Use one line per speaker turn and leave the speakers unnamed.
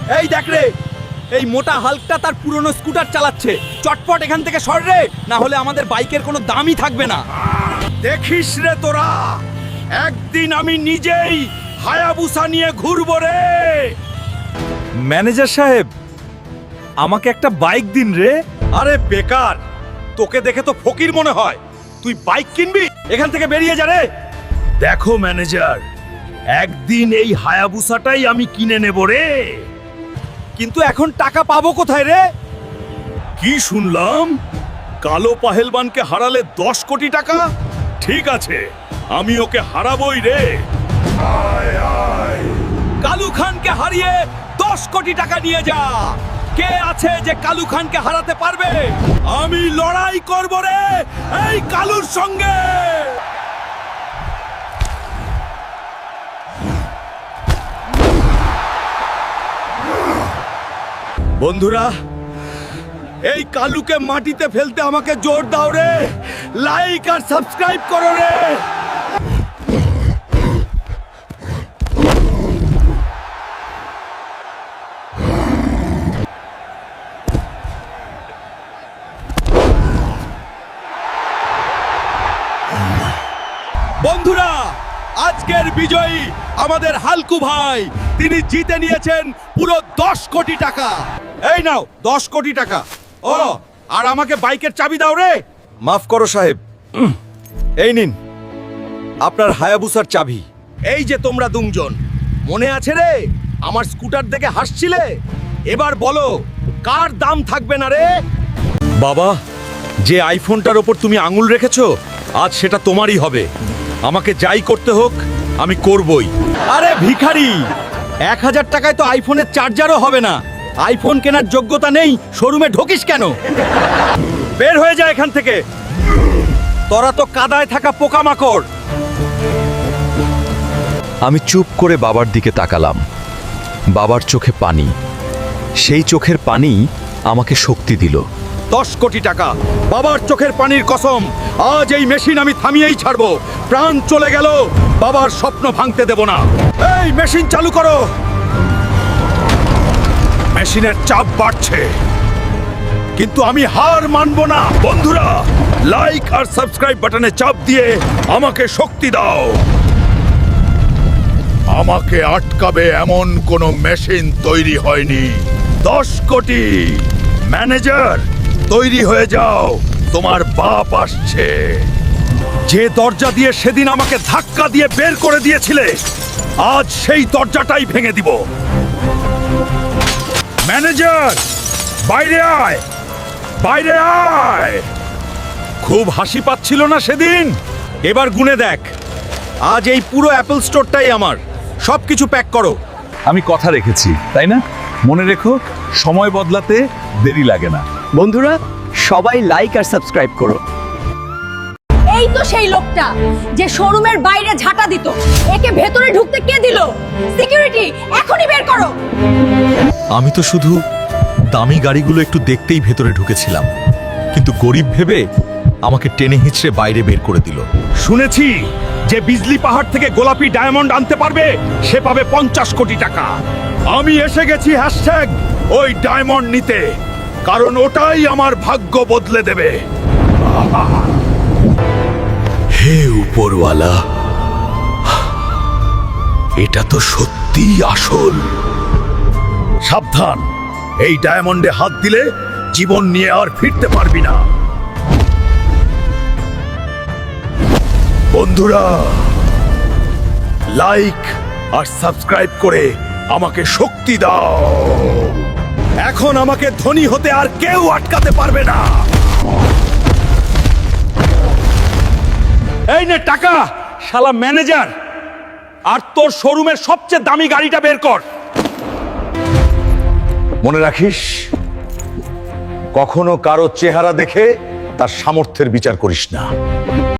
এই দেখ রে, এই মোটা হাল্কটা তার পুরনো স্কুটার চালাচ্ছে। চটপট এখান থেকে সর রে, না হলে আমাদের বাইকের কোনো দামই থাকবে না। দেখিস রে তোরা, একদিন আমি নিজেই হায়াবুসা নিয়ে ঘুরবো রে।
ম্যানেজার সাহেব, আমাকে একটা বাইক দিন রে।
আরে বেকার, তোকে দেখে তো ফকির মনে হয়। তুই বাইক কিনবি? এখান থেকে বেরিয়ে যা রে।
দেখো ম্যানেজার, একদিন এই হায়াবুসাটাই আমি কিনে নেব রে।
কিন্তু এখন টাকা পাবো কোথায় রে?
কি শুনলাম, কালো পাহেলবানকে হারালে 10 কোটি টাকা? ঠিক আছে, আমি ওকে হারাবই রে।
কালু খানকে হারিয়ে 10 কোটি টাকা নিয়ে যা। কে আছে যে কালু খানকে হারাতে পারবে? আমি লড়াই করব রে এই কালুর সঙ্গে। বন্ধুরা, এই কালুকে মাটিতে ফেলতে আমাকে জোর দাও রে। লাইক আর সাবস্ক্রাইব করো রে। বন্ধুরা, আজকের বিজয়ী আমাদের হালকু ভাই। তিনি জিতে নিয়েছেন পুরো 10 কোটি টাকা। এই নাও 10 কোটি টাকা। ও, আর আমাকে বাইকের চাবি দাও রে।
মাফ করো সাহেব, এই নিন আপনার হায়াবুসার চাবি।
এই যে তোমরা দুজন, মনে আছে রে আমার স্কুটার দেখে হাসছিলে? এবার বলো, কার দাম থাকবে না রে?
বাবা, যে আইফোনটার ওপর তুমি আঙুল রেখেছো, আজ সেটা তোমারই হবে। আমাকে যাই করতে হোক আমি করবই।
আরে ভিখারি, 1000 টাকায় তো আইফোনের চার্জারও হবে না। আইফোন কেনার যোগ্যতা নেই, শোরুমে ঢোকিস কেন? বের হয়ে যায় এখান থেকে। তোরা তো কাদায় থাকা পোকামাকড়।
আমি চুপ করে বাবার দিকে তাকালাম। বাবার চোখে পানি। সেই চোখের পানি আমাকে শক্তি দিল।
10 কোটি টাকা, বাবার চোখের পানির কসম। আজ এই মেশিন আমি থামিয়েই ছাড়বো। প্রাণ চলে গেল, বাবার স্বপ্ন ভাঙতে দেব না। এই মেশিন চালু করো।
মেশিনের চাপ বাড়ছে, কিন্তু আমি হার মানব না। বন্ধুরা, লাইক আর সাবস্ক্রাইব বাটনে চাপ দিয়ে আমাকে শক্তি দাও। আমাকে আটকাবে এমন কোনো মেশিন তৈরি হয়নি। 10 কোটি। ম্যানেজার, তৈরি হয়ে যাও, তোমার বাপ আসছে।
যে দরজা দিয়ে সেদিন আমাকে ধাক্কা দিয়ে বের করে দিয়েছিলে, আজ সেই দরজাটাই ভেঙে দিব।
ম্যানেজার, বাইরে আয়, বাইরে আয়।
খুব হাসি পাচ্ছিল না সেদিন? এবার গুনে দেখ, আজ এই পুরো অ্যাপল স্টোরটাই আমার। সবকিছু প্যাক করো।
আমি কথা রেখেছি, তাই না? মনে রেখো, সময় বদলাতে দেরি লাগে না।
বন্ধুরা, সবাই লাইক আর সাবস্ক্রাইব করো।
এই তো সেই লোকটা যে শোরুমের বাইরে ঝাঁটা দিত। একে ভেতরে ঢুকতে কে দিল? সিকিউরিটি, এখনই বের করো।
আমি তো শুধু দামি গাড়িগুলো একটু দেখতেই ভেতরে ঢুকেছিলাম, কিন্তু গরিব ভেবে আমাকে টেনে হিঁচড়ে বাইরে বের করে দিল।
শুনেছি যে বিজলি পাহাড় থেকে গোলাপি ডায়মন্ড আনতে পারবে, সে পাবে 50 কোটি টাকা। আমি এসে গেছি হ্যাশট্যাগ ওই ডায়মন্ড নিতে, কারণ ওটাই আমার ভাগ্য বদলে দেবে।
হে উপরওয়ালা, এটা তো সত্যিই আসল। সাবধান, এই ডায়মন্ডে হাত দিলে জীবন নিয়ে আর ফিরতে পারবি না। বন্ধুরা, লাইক আর সাবস্ক্রাইব করে আমাকে শক্তি দাও।
এখন আমাকে ধনী হতে আর কেউ আটকাতে পারবে না। এই নে টাকা, শালা ম্যানেজার। আর তোর শোরুমের সবচেয়ে দামি গাড়িটা বের কর।
মনে রাখিস, কখনো কারো চেহারা দেখে তার সামর্থ্যের বিচার করিস না।